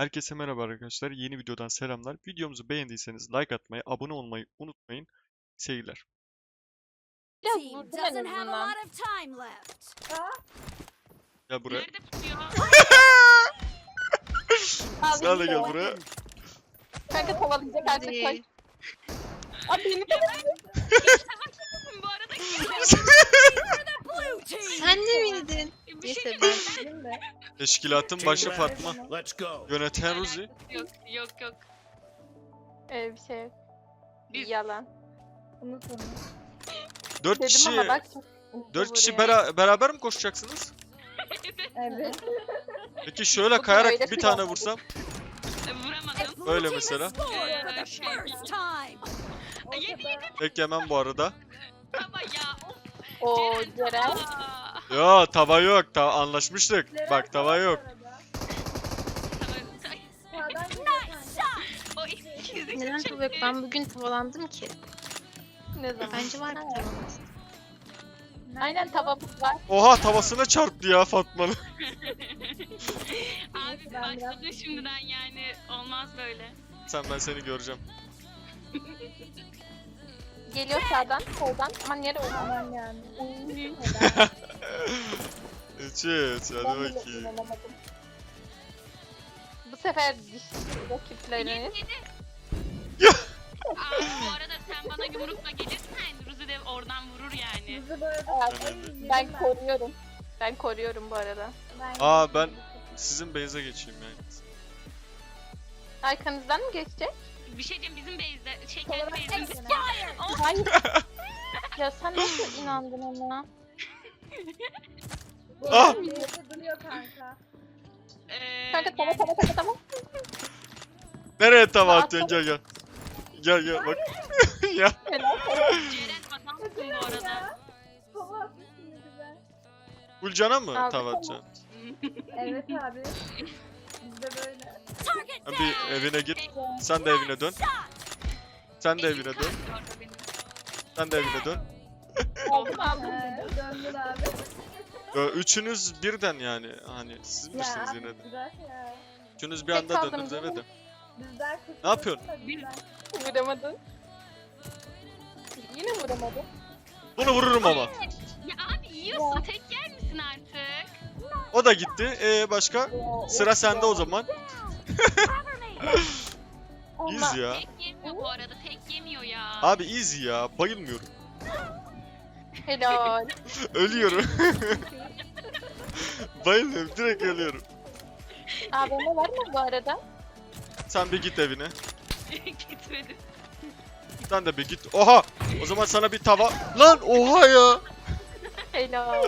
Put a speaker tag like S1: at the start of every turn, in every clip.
S1: Herkese merhaba arkadaşlar. Yeni videodan selamlar. Videomuzu beğendiyseniz like atmayı, abone olmayı unutmayın. Seyirler.
S2: Biraz
S3: Team
S2: vurdum en
S3: doesn't have a
S2: azından.
S3: lot of time left.
S1: Gel buraya.
S4: Nerede tutuyor?
S1: Sen de gel buraya.
S2: Kanka kovalayacak artık koş.
S4: Hadi.
S2: Abi beni de
S4: Bu arada
S3: Blue team.
S5: Sen de miydin?
S4: bir şey
S5: Neyse
S4: diyeyim.
S5: ben.
S1: Teşkilatın başı Fatma.
S6: Let's go.
S1: Yöneten Ruzi.
S4: Yok yok yok.
S2: bir şey yok.
S4: Biz-
S2: Yalan.
S1: 4
S2: Dedim
S1: kişi
S2: ama bak.
S1: 4 kişi
S2: vuruyor.
S1: beraber mi koşacaksınız?
S2: Evet.
S1: Peki şöyle
S2: Bu
S1: kayarak
S2: öyle
S1: bir
S2: kıyafet.
S1: tane vursam.
S4: Vuramadım.
S1: Öyle
S3: Blue team
S1: mesela.
S3: has scored for the first time.
S4: Yedi.
S1: Tek yemem bu arada.
S4: Ama ya. Of.
S2: Oo Ceren.
S4: Aa,
S1: Ya tava yok. Anlaşmıştık. Bak tava yok.
S4: O ikizlik
S5: Neden
S4: çok
S5: tava yok?
S4: iyi.
S5: Ben bugün tavalandım ki.
S2: Ne zaman?
S5: Bence var bir tavalanız.
S2: Aynen tavamız var.
S1: Oha tavasına çarptı ya Fatma'nın.
S4: Abi başladın şimdiden yani. Olmaz böyle.
S1: Ben seni göreceğim.
S2: Geliyor sağdan, soldan. Aman yere olmaman yani.
S1: İçiz. Hadi bakayım.
S2: Bu sefer diş rakipleriniz.
S4: Yedi. Abi bu arada sen bana yumrukla gelirsen Ruzi de oradan vurur yani.
S2: Ben koruyorum. Ben koruyorum bu arada.
S1: Aa ben sizin base'e geçeyim yani.
S2: Arkanızdan mı geçecek?
S4: Bir şey diyeyim bizim base'de. Kendi base'imizde.
S3: Expired.
S2: Hayır. Ya sen nasıl inandın ona?
S1: Ah!
S2: Kanka tamam.
S1: Nereye tava atıyorsun? Gel gel. Gel gel bak. Ya.
S4: Ceren adamsın bu arada.
S1: Gülcan'a mı
S2: Abi,
S1: tava atacaksın?
S7: Evet abi. Bizde böyle.
S3: Target
S1: Ha,
S3: down.
S1: bir evine git. Sen de evine dön. Sen de evine dön. Sen de evine dön.
S2: Aldım.
S7: Döndün abi.
S1: Üçünüz birden yani. Hani siz misiniz
S7: abi,
S1: yine de?
S7: bırak ya.
S1: Üçünüz bir
S2: Tek
S1: anda
S2: kaldım
S1: döndünüz
S2: değil
S1: eve
S2: mi?
S1: de.
S7: Bizden
S1: Ne yapıyorsun?
S2: Vuramadın. Yine vuramadın.
S1: Bunu vururum ama.
S4: Ya abi yiyorsun tek yer misin artık?
S1: O da gitti. Başka? Sıra sende o zaman. Easy ya.
S4: Tek yemiyor bu arada tek yemiyor ya.
S1: Abi easy ya. Bayılmıyorum.
S2: Helal.
S1: Ölüyorum. Bayılıyorum. Direkt ölüyorum.
S2: AVM var mı bu arada?
S1: Sen bir git evine.
S4: Gitmedi.
S1: Sen de bir git. Oha! O zaman sana bir tava... Lan oha ya!
S2: Helal.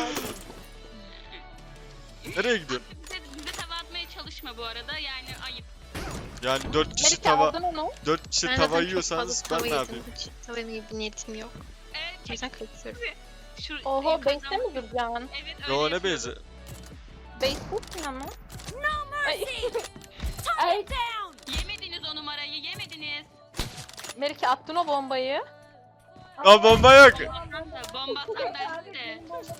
S1: Nereye gidiyorsun?
S4: Bize tava atmaya çalışma bu arada yani ayıp.
S1: Yani 4 kişi
S2: Melike
S1: tava...
S2: aldın onu.
S1: 4 kişi
S5: Ben
S1: tava
S5: zaten çok
S1: yiyorsanız
S5: fazla
S1: ben ne
S5: tava
S1: yapayım?
S5: yedim. Hiç tava yemeye bir niyetim yok. O yüzden kaçıyorum.
S4: Şu
S2: Oho
S4: yukarıdan-
S2: base'te mi duracaksın?
S4: Evet öyle
S1: Yo ne
S4: yapıyorum.
S1: bezi?
S2: Base'tesin ama. Ay.
S3: Target down.
S4: Yemediniz o numarayı yemediniz.
S2: Melike attın o bombayı.
S1: Aa bomba yok.
S4: Bomba atsan dersin de.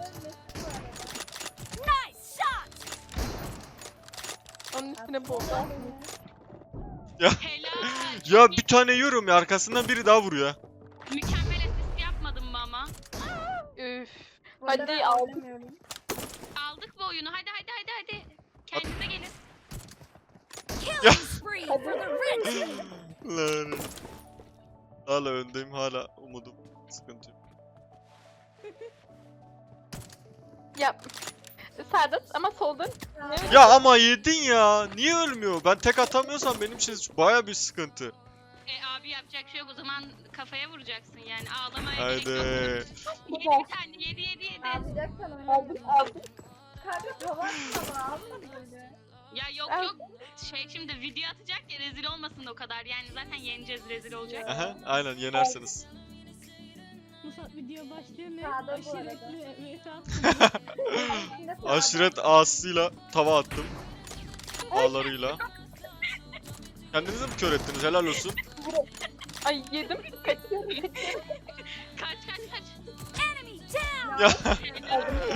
S3: Nice shot.
S2: Onun üstüne bomba.
S4: Helal.
S1: Ya bir tane yiyorum ya arkasından biri daha vuruyor.
S4: Mükemmel asist yapmadın mı ama?
S2: Üf.
S7: Burada
S2: Hadi
S7: ben
S2: aldık.
S7: oynamıyorum.
S4: Aldık bu oyunu hadi. Kendinize gelin.
S3: Killing spree for the red team.
S1: Lan. Hala öndeyim hala umudum. Sıkıntı yok.
S2: Ya. Sağda ama solda.
S1: Ya ama yedin ya. Niye ölmüyor? Ben tek atamıyorsam benim için baya bir sıkıntı.
S4: Abi yapacak şey yok o zaman kafaya vuracaksın yani ağlamaya
S1: Haydi.
S4: gerek yok. Yedi bir tane yedi.
S7: Alacaksan
S2: Aldık
S7: oynayalım.
S2: aldık.
S7: Kanka tava atma alma böyle.
S4: Ya yok
S2: Al.
S4: yok şey şimdi video atacak ya rezil olmasın o kadar yani zaten yeneceğiz rezil olacak.
S1: Aha, aynen yenersiniz.
S8: Video başlıyor ne?
S7: Sağda bu
S8: Aşiretli
S7: Şimdi sağdan.
S1: Aşiret ağasıyla tava attım. Ağlarıyla. Kendinize mi kör ettiniz? Helal olsun.
S2: Ay yedim. Kaçıyorum.
S4: Kaç.
S3: Enemy down.
S1: Ya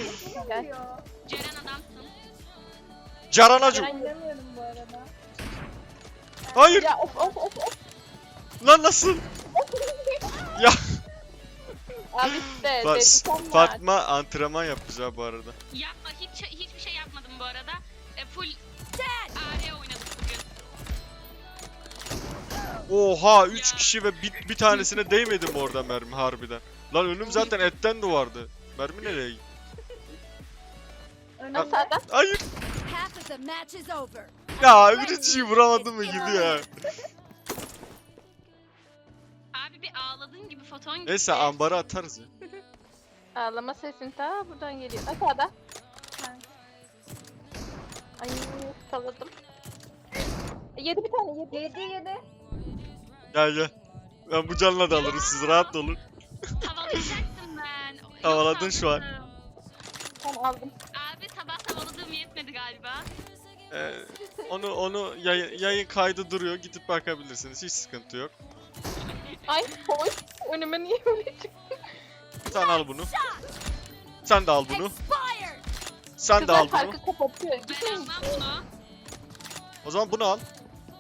S2: Gel.
S7: Yapıyor.
S4: Ceren adamsın.
S1: Caranacım.
S2: Ceren-
S7: Oynamıyorum bu arada.
S1: Hayır.
S2: Ya of.
S1: Lan nasıl? Ya
S2: Abi işte
S1: Bak,
S2: dedik ama.
S1: Fatma antrenman yapmış ha bu arada.
S4: Yapma hiçbir şey yapmadım bu arada. Full AR oynadık bugün.
S1: Oha 3 kişi ve bir tanesine değmedi mi orada mermi harbiden? Lan önüm zaten etten duvardı. Mermi nereye gitti?
S7: Önümde.
S2: Sağdan.
S1: Hayır.
S3: Half of the match is over.
S1: Ya birinciyi vuramadım mı gidiyor.
S4: Abi bir ağladığın gibi foton gitti.
S1: Neyse ambara atarız ya.
S2: Ağlama sesin ta buradan geliyor. Sağda. Ay salladım. Yedi bir tane yedi.
S7: Yedi.
S1: Gel. Ben bu canla da alırım siz rahat olun.
S4: Tavalayacaktım ben.
S1: Havaladın
S4: Yok,
S1: şu an.
S4: aldım.
S2: Tamam aldım.
S4: Abi sabah tavaladığım yetmedi galiba.
S1: Onu yayın kaydı duruyor gidip bakabilirsiniz hiç sıkıntı yok.
S2: Ay hoş. Önüme niye böyle çıktı?
S1: Sen al bunu. Sen de al bunu.
S3: Expired.
S1: Sen de al
S2: Kızlar
S1: bunu.
S2: farkı kapatıyor.
S4: Ben
S2: Gitmeyin.
S4: almam bunu.
S1: O zaman bunu al.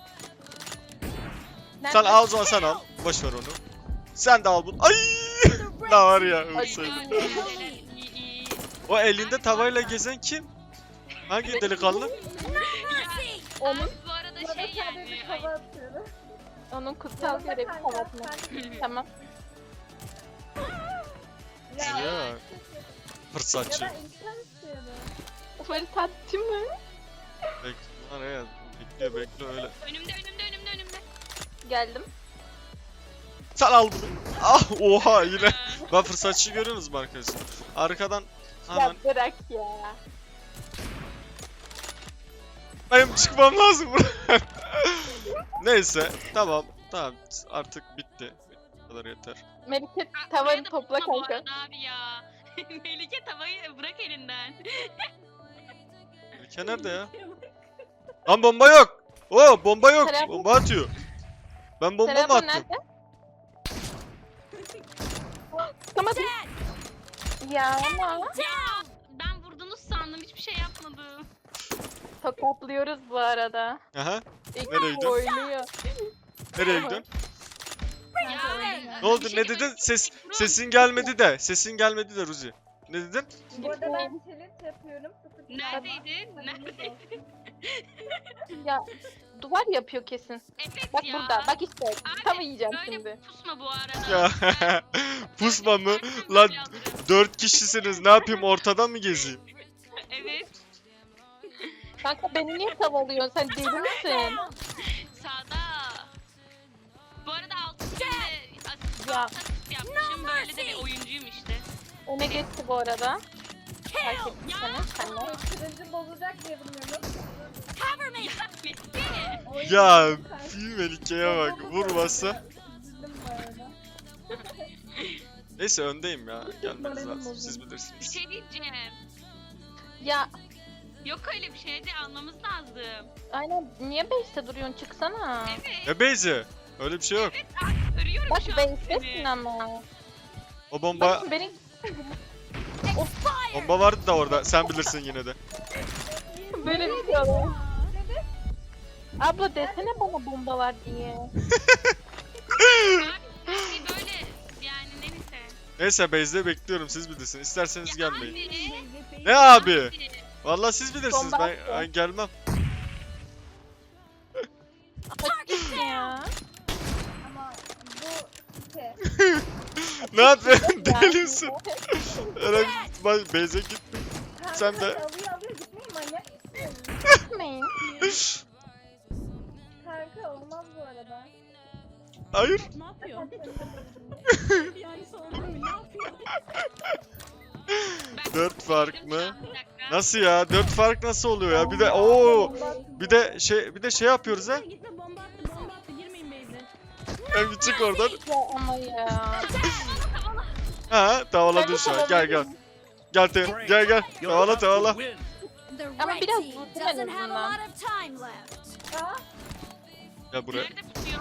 S2: Nerede?
S1: Sen al o zaman sen al. Boş ver onu. Sen de al bunu. Ay! Ne var ya ölseydim.
S4: İyi.
S1: O elinde tavayla gezen kim? Hangi delikanlı?
S3: Mercy.
S2: Onun,
S4: Abi bu arada
S7: Bana
S4: şey
S7: sadece
S4: yani.
S7: hava atıyorum.
S2: onun kutsal görevi kapatmak. Tamam.
S1: Ya. Fırsatçı.
S7: Ya ben insan istiyordum.
S2: Fırsatçı mı?
S1: Bekle ya. Bekle öyle.
S4: Önümde.
S2: Geldim.
S1: Sen al bunu. Ah oha yine. Ben fırsatçı görüyorsunuz mu arkadaşlar? Arkadan hemen
S2: Ya bırak ya.
S1: benim çıkmam lazım buradan. Neyse tamam artık bitti. Bu kadar yeter.
S2: Melike
S4: Buraya
S2: tavanı
S4: da
S2: topla
S4: tutma bu
S2: kanka.
S4: arada abi ya. Melike tavayı bırak elinden.
S1: Ülke nerede ya? Lan bomba yok. Oo bomba yok.
S2: Telefon-
S1: Bomba atıyor. Ben bomba mı
S2: Telefon
S1: attım?
S2: nerede? Tutamadım. Ya ama
S4: Ya ben vurdunuz sandım hiçbir şey yapmadım.
S2: tokatlıyoruz bu arada.
S1: Aha.
S2: İlk
S1: Nereye gidiyorsun?
S2: oynuyor.
S1: Nereye gidiyorsun?
S4: Ya
S1: Ne oldu?
S4: bir şey
S1: Ne dedin?
S4: demek-
S1: Sesin gelmedi de. Sesin gelmedi de Ruzi. Ne dedin?
S7: Bu arada ben challenge yapıyorum. Sıfır
S4: Neredeydin?
S7: kalma.
S4: Neredeydin?
S2: Ya duvar yapıyor kesin.
S4: Evet
S2: Bak
S4: ya.
S2: burada. Bak işte.
S4: Abi,
S2: Tam yiyeceğim
S4: Böyle
S2: şimdi.
S4: pusma bu arada.
S1: Ya pusma mı? Lan 4 kişisiniz. Ne yapayım? Ortada mı gezeyim?
S4: Evet.
S2: Kanka beni niye tavalıyorsun? Sen deli misin?
S4: Sağda. Bu arada altın günde
S2: Ya.
S4: asist yapmışım. Böyle de bir oyuncuyum işte.
S2: Öne geçti bu arada. Fark ettim seni. Senle.
S7: Kırıcı bozacak diye bilmiyorum.
S3: Cover me.
S4: Ya bitti.
S7: Oyun
S1: Ya
S7: oynuyorum.
S1: Melike'ye bak. Vurmasa.
S7: Üzüldüm bu arada.
S1: Neyse öndeyim ya. Gelmeniz lazım. Siz
S4: Bir
S1: bilirsiniz.
S4: şey diyeceğim.
S2: Ya
S4: Yok öyle bir şey de anlamamız lazım.
S2: aynen niye base'te duruyorsun? Çıksana.
S4: Evet.
S1: Ne Beyzi? Öyle bir şey yok.
S4: Örüyorum
S2: Bak
S4: şu an
S2: base'tesin
S4: seni.
S2: ama.
S1: O bomba
S2: Bak beni
S1: bomba vardı da orada. Sen bilirsin yine de.
S2: böyle bir şey oluyor. Abla desene bana bomba var diye.
S4: Abi böyle yani neyse.
S1: Neyse Beyzi'de bekliyorum. Siz bilirsiniz. İsterseniz
S4: Ya
S1: gelmeyin.
S4: abi.
S1: Ne abi? Vallahi siz bilirsiniz.
S2: Bomba
S1: Ben gelmem.
S2: Açık ya.
S7: Ama bu site.
S1: Ne yapıyorsun?
S2: Ya.
S1: Delisin. Öyle Beyze git.
S7: Kanka
S1: Sen de.
S7: alıyor gitmeyin manyak mısın?
S2: Gitmeyin.
S7: Kanka olmaz bu arada.
S1: Hayır.
S8: Ne yapıyor? Yani sorun ne yapıyor?
S1: 4 fark mı?
S4: Bir dakika.
S1: Nasıl ya? 4 fark nasıl oluyor ya? Bir de ooo. Bir de şey yapıyoruz ha.
S8: Gitti bomba attı girmeyin beyze.
S1: Hem çık oradan.
S2: Ya ama ya.
S1: Ha, tavaladın şu an. Gel. Gel. Tavala.
S3: The
S2: Ama
S3: red
S2: biraz
S3: team
S2: vurdum en
S3: doesn't have a
S2: azından.
S3: lot of time left.
S1: Gel buraya.
S4: Nerede tutuyor?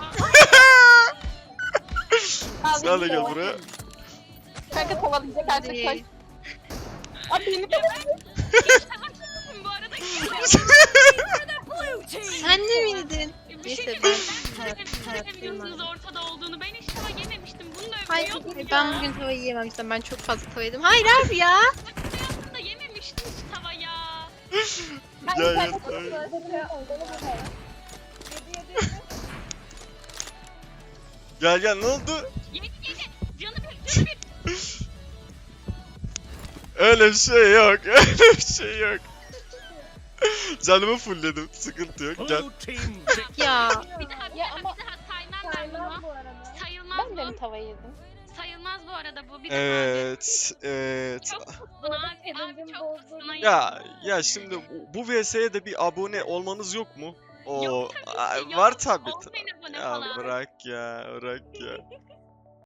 S2: Al
S1: Sen de
S2: beni
S1: gel
S2: de.
S1: buraya.
S2: Kanka kovalayacak artık koş.
S5: Hadi.
S2: Abi beni de
S4: Bu arada
S3: The blue team.
S5: Sen de miydin?
S4: Bir şey
S5: Neyse,
S4: diyeceğim.
S5: ben
S4: Ben sizin
S5: hayattayım
S4: televizyonunuz
S5: abi.
S4: ortada olduğunu. Ben hiç tava yememiştim. Bunu da
S5: Hayır
S4: övüyordum ya.
S5: ben bugün tava yiyemem işte, ben çok fazla tava yedim. Hayır abi ya.
S4: Hayatımda yememiştim hiç tava ya.
S1: Gel gel. Gel gel ne oldu?
S4: Yedi. Canı bir.
S1: Öyle bir şey yok. Öyle bir şey yok. Canımı fullledim. Sıkıntı yok. Gel.
S5: Ya.
S4: Bir daha
S2: Ya ama-
S4: saymam ben
S7: Saymaz
S4: bunu.
S7: bu arada.
S4: Sayılmaz
S2: Ben de mi
S4: bu.
S2: tava yedim?
S4: Sayılmaz bu arada bu. Bir daha
S1: Evet. Evet.
S4: Çok kızdın abi
S7: Kedicim
S4: çok
S7: bozdu.
S4: kızdın.
S1: Ya şimdi bu VS'ye de bir abone olmanız yok mu? O
S4: Yok tabii ki, yok.
S1: var tabii.
S4: Olmayın abone
S1: Ya
S4: falan.
S1: bırak ya, bırak ya.